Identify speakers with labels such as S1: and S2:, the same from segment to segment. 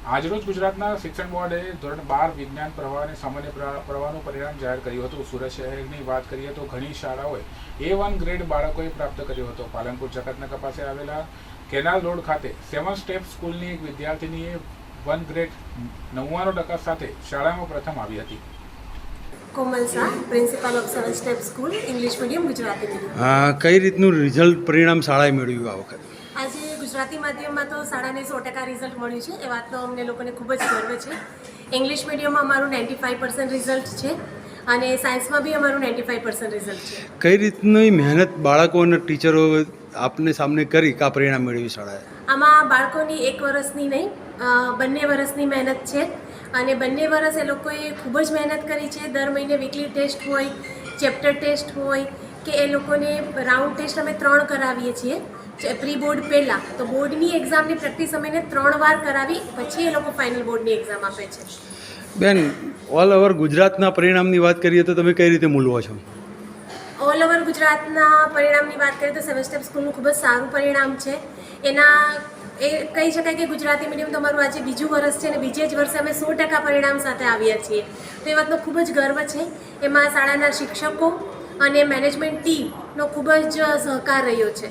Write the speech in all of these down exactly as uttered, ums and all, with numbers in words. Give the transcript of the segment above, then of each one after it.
S1: આજરોજ ગુજરાતના શિક્ષણ બોર્ડે ધોરણ બાર વિજ્ઞાન પ્રવાહ અને સામાન્ય પ્રવાહનું પરિણામ જાહેર કર્યું હતું. સુરત શહેરની વાત કરીએ તો ઘણી શાળાઓએ એ વન ગ્રેડ બાળકોએ પ્રાપ્ત કર્યો હતો. પાલનપુર જકાતનાકા પાસે આવેલા કેનાલ રોડ ખાતે સેવન સ્ટેપ સ્કૂલની એક વિદ્યાર્થીનીએ વન ગ્રેડ નવ્વાણું ટકા સાથે શાળામાં પ્રથમ આવી હતી.
S2: Komal Shah, principal of seven step school, English medium, Gujarati medium.
S3: કઈ રીતનું રિઝલ્ટ પરિણામ શાળાએ મેળવ્યું આ વખતે?
S2: આજે ગુજરાતી માધ્યમમાં તો શાળાને સો ટકા રિઝલ્ટ મળ્યું છે, એ વાતનો અમને લોકોને ખૂબ જ ગર્વ છે. ઇંગ્લિશ મીડિયમમાં અમારું નાઇન્ટી ફાઇવ પર્સન્ટ રિઝલ્ટ છે અને સાયન્સમાં બી અમારું નાઇન્ટી ફાઇવ પર્સન્ટ રિઝલ્ટ છે.
S3: કઈ રીતની મહેનત બાળકો અને ટીચરો આપને સામને કરી કા પરિણામ મેળવ્યું શાળાએ?
S2: આમાં બાળકોની એક વર્ષની નહીં, બંને વર્ષની મહેનત છે અને બંને વર્ષ એ લોકોએ ખૂબ જ મહેનત કરી છે. દર મહિને વીકલી ટેસ્ટ હોય, ચેપ્ટર ટેસ્ટ હોય કે એ લોકોને રાઉન્ડ ટેસ્ટ અમે ત્રણ કરાવીએ છીએ પ્રી બોર્ડ પહેલાં. તો બોર્ડની એક્ઝામની પ્રેક્ટિસ અમે ત્રણ વાર કરાવી પછી એ લોકો ફાઇનલ બોર્ડની એક્ઝામ આપે છે.
S3: બેન, ઓલ ઓવર ગુજરાતના પરિણામની વાત કરીએ તો તમે કઈ રીતે મૂલવો છો?
S2: ઓલ ઓવર ગુજરાતના પરિણામની વાત કરીએ તો સેવન સ્ટેપ સ્કૂલનું ખૂબ જ સારું પરિણામ છે. એના એ કહી શકાય કે ગુજરાતી મીડિયમ તો અમારું આજે બીજું વર્ષ છે અને બીજે જ વર્ષે અમે સો ટકા પરિણામ સાથે આવ્યા છીએ. તો એ વાતનો ખૂબ જ ગર્વ છે. એમાં શાળાના શિક્ષકો અને મેનેજમેન્ટ ટીમનો ખૂબ જ સહકાર રહ્યો છે.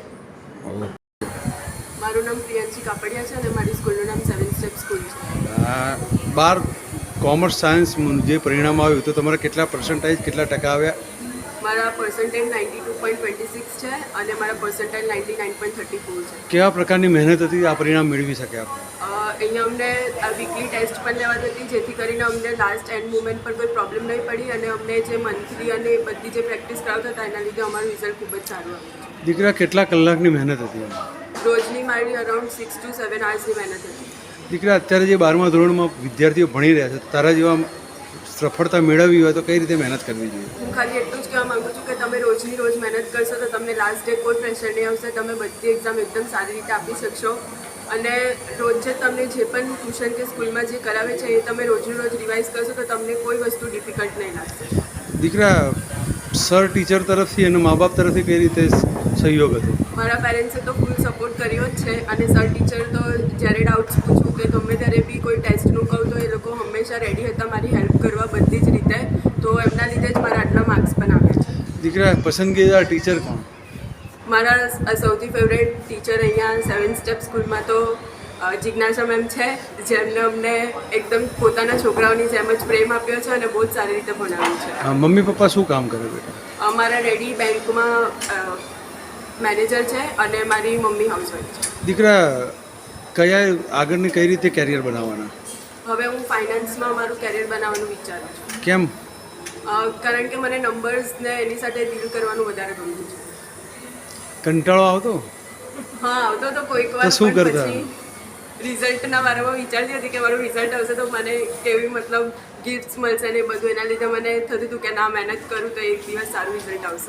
S4: મારું નામ પ્રિયાંશી કાપડિયા છે અને મારી સ્કૂલનું નામ સેવન સ્ટેપ સ્કૂલ છે.
S3: બાર કોમર્સ સાયન્સ જે પરિણામ આવ્યું તો તમારા કેટલા પર્સન્ટેજ કેટલા ટકા આવ્યા?
S4: મારા percentage ninety two point twenty six છે અને મારા percentage ninety nine point thirty four છે.
S3: કેવા પ્રકારની મહેનત હતી આ પરિણામ મેળવી શક્યા?
S4: અહીંયા અમને આ વીકલી ટેસ્ટ પણ લેવાતી હતી, જેથી કરીને અમને લાસ્ટ એન્ડ મુમેન્ટ પર કોઈ પ્રોબ્લેમ નહીં પડી અને અમને જે મંથલી અને બધી જે પ્રેક્ટિસ કરાવતા હતા એના લીધે અમારું રિઝલ્ટ ખૂબ જ સારું આવ્યું.
S3: દીકરા, કેટલા કલાકની મહેનત હતી?
S4: રોજની મારી અરાઉન્ડ સિક્સ ટુ સેવન આવર્સની મહેનત હતી.
S3: દીકરા, અત્યારે જે બારમા ધોરણમાં વિદ્યાર્થીઓ ભણી રહ્યા છે, તારા જેવા સફળતા મેળવવી હોય તો કઈ રીતે મહેનત કરવી જોઈએ?
S4: હું ખાલી એટલું જ કહેવા માગું છું કે તમે રોજની રોજ મહેનત કરશો તો તમને લાસ્ટ ડે કોઈ પ્રેશર નહીં આવશે. તમે બધી એક્ઝામ એકદમ સારી રીતે આપી શકશો અને રોજ જે તમને જે પણ ટ્યુશન કે સ્કૂલમાં જે કરાવે છે એ તમે રોજનું રોજ રિવાઇઝ કરશો તો તમને કોઈ વસ્તુ ડિફિકલ્ટ નહીં લાગશે.
S3: દીકરા, સર ટીચર તરફથી અને મા બાપ તરફથી કઈ રીતે સહયોગ હતો?
S4: મારા પેરેન્ટ્સે તો ફૂલ સપોર્ટ કર્યો જ છે અને સર ટીચર તો જ્યારે ડાઉટ્સ પૂછું કે ગમે ત્યારે બી કોઈ ટેસ્ટનું કહું તો એ લોકો હંમેશા રેડી હતા મારી હેલ્પ કરવા બધી જ રીતે. તો એમના લીધે જ મારા આટલા માર્ક્સ પણ આવ્યા છે.
S3: દીકરા, પસંદગીદાર ટીચર કોણ?
S4: મારા સૌથી ફેવરેટ ટીચર અહીંયા સેવન સ્ટેપ સ્કૂલમાં તો જિજ્ઞાસા મેમ છે, જેમને અમને એકદમ પોતાના છોકરાઓની જેમ જ પ્રેમ આપ્યો છે અને બહુ જ સારી રીતે ભણાવ્યું છે.
S3: મમ્મી પપ્પા શું કામ કરે બેટા?
S4: અમારા ડેડી બેંકમાં મેનેજર છે અને મારી મમ્મી હાઉસવાઈફ છે.
S3: દીકરા, કયા આગળની કઈ રીતે કેરિયર બનાવવાના?
S4: હવે હું ફાઇનાન્સમાં મારું કેરિયર બનાવવાનું વિચારું છું.
S3: કેમ?
S4: કારણ કે મને નંબર્સને એની સાથે ડીલ કરવાનું વધારે ગમતું છે.
S3: કંટાળો આવતો?
S4: હા, આવતો તો કોઈક વાર.
S3: તો શું કરતા?
S4: રિઝલ્ટના બારામાં વિચારતી હતી કે મારું રિઝલ્ટ આવશે તો મને કેવી મતલબ ગિફ્ટ્સ મળશે ને બધું. એના લીધે મને થતું હતું કે ના, મહેનત કરું તો એક દિવસ સારું રિઝલ્ટ આવશે.